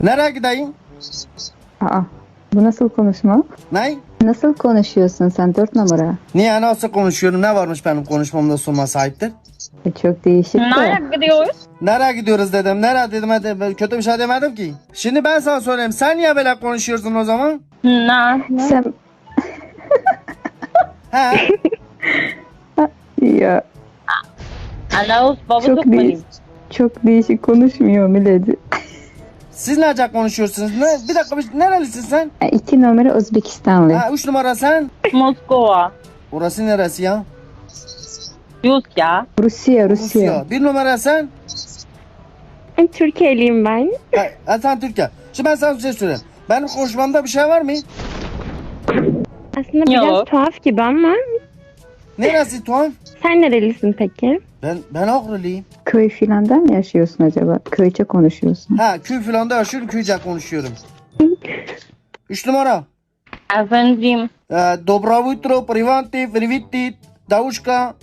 Nereye gideyim? Aa, bu nasıl konuşma? Ne? Nasıl konuşuyorsun sen 4 numara? Niye nasıl konuşuyorum? Ne varmış benim konuşmamda sorma sahiptir? Çok değişik de. Nereye gidiyoruz? Nereye gidiyoruz dedim. Nereye dedim. Hadi, kötü bir şey demedim ki. Şimdi ben sana söyleyeyim. Sen niye böyle konuşuyorsun o zaman? Ne? Sen He? ya Anavuz babası çok değişik. Çok değişik konuşmuyor Milady. Siz nece konuşuyorsunuz? Bir dakika nerelisin sen? 2 numara Özbekistanlı. Ha, 3 numara sen? Moskova. Orası neresi ya? Rusya. Rusya. 1 numara sen? Türkiye'liyim ben. Ha, sen Türkiye. Şimdi ben sana bir şey söyleyeyim. Benim konuşmamda bir şey var mı? Aslında biraz Yok. tuhaf gibi ama Neresi tuhaf? sen nerelisin peki? Ben Ağrılıyım. Köy filanda mı yaşıyorsun acaba? Köyçe konuşuyorsun. Ha, köy falan da yaşıyorum, köyce konuşuyorum. 3 numara. Efendim. Доброе утро, привет, Davuşka.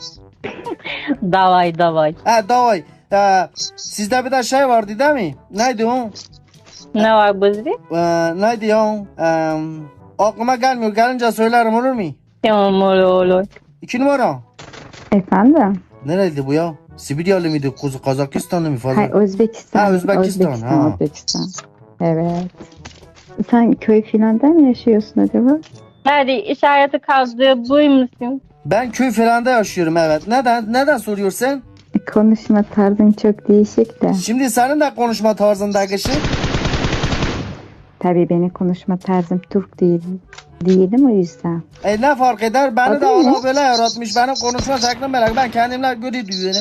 Davay. Ha, davay. Sizde bir de şey vardı değil mi? Neydi o? Ne var bizde? Neydi o? Aklıma gelmiyor. Gelince söylerim, olur mu? Tamam olur. 2 numara. Efendim? Nereydi bu ya? Sibiryalı mıydı? Kazakistanlı mı fazla? Hayır, Özbekistan. Ha, Özbekistan, ha. Özbekistan. Evet. Sen köy filanda mı yaşıyorsun acaba? Nerede işareti kaldı buymuşsun? Ben köy falan da yaşıyorum, evet. Neden soruyorsun? Konuşma tarzın çok değişik de. Şimdi senin de konuşma tarzındaki şey. Tabii benim konuşma tarzım Türk değil. Değilim o yüzden. Ne fark eder? Beni de Adın ne? Allah böyle yaratmış. Benim konuşma şeklim böyle. Ben kendimle göre duyuyorum.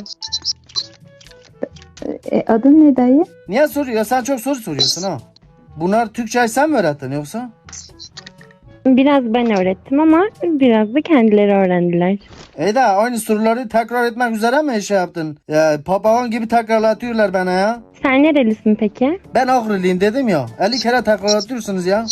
Adın ne dayı? Niye soruyor? Sen çok soru soruyorsun ha. Bunlar Türkçeyi sen mi öğrettin yoksa? Biraz ben öğrettim ama biraz da kendileri öğrendiler. De aynı soruları tekrar etmek üzere mi şey yaptın? Ya, papağan gibi tekrarlatıyorlar bana ya. Sen nerelisin peki? Ben Ağrılıyım dedim ya. 50 kere tekrarlatıyorsunuz ya.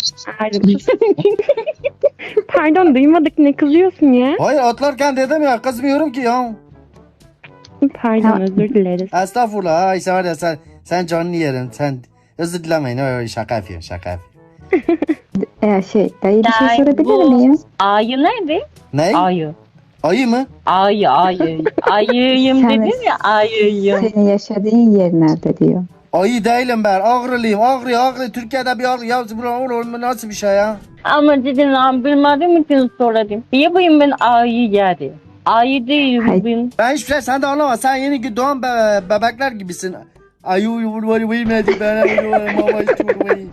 Pardon duymadık, ne kızıyorsun ya? Hayır, atlarken dedim ya, kızmıyorum ki ya. Pardon, Tamam. özür dileriz. Estağfurullah. Ay sen var ya, sen canını yerim. Sen özür dilemeyin. Öyle şaka yapıyorum. Dayı bir şey Dayı, sorabilir bu- miyim? Ayı nerede? Ne? Ayı. Ayı mı? Ayı. Ayıyım Sen- dedin ya, ayıyım. Senin yaşadığın yer nerede diyor. Ayı değilim ben. Ağrılıyım. Ağrı. Türkiye'de bir ağrı. Ya bu nasıl bir şey ya? Ama dedin lan bilmediğim için söyledim. Yapayım ben ayı geldi. Ayı değil Hayır. ben. Ben hiçbir şey sen de anlama. Sen yeni doğan bebekler gibisin. Ayı vurmayı bilmedi. Ben mama istiyorum.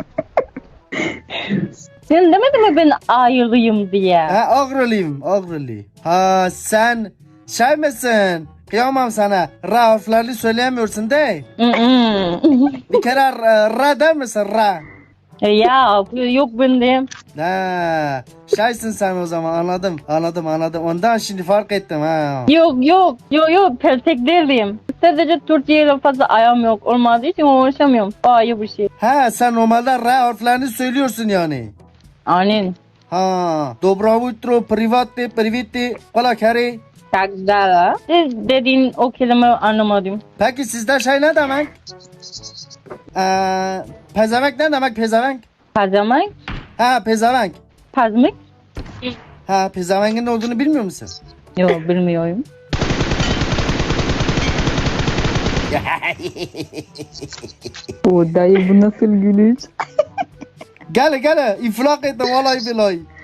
Sen demedin mi ben ayılıyım diye? Ha, Ağrılıyım. Ha, sen şey misin? Kıyamam sana. Ra harflerini söyleyemiyorsun değil. Bir kere ra der misin? Ra. Ya yok bende. Ha, şeysin sen o zaman, anladım. Ondan şimdi fark ettim ha. Yok peltek değilim. Sadece Türkçe'yle fazla ayağım yok. Olmadığı için uğraşamıyorum. Ayı bir şey. Ha, sen normalde R harflerini söylüyorsun yani. Aynen. Ha, Доброе утро, привет, kola kere. Takdala. Siz dediğin o kelimeyi anlamadım. Peki sizde şey ne demek? Pezevenk ne demek, pezevenk? Pazamak. Ha, pezevenk. Pazmık. Ha, pezevenkin ne olduğunu bilmiyor musun? Yok bilmiyorum. O dayı bu nasıl gülüş? Gel, iflak ettim vallahi billahi.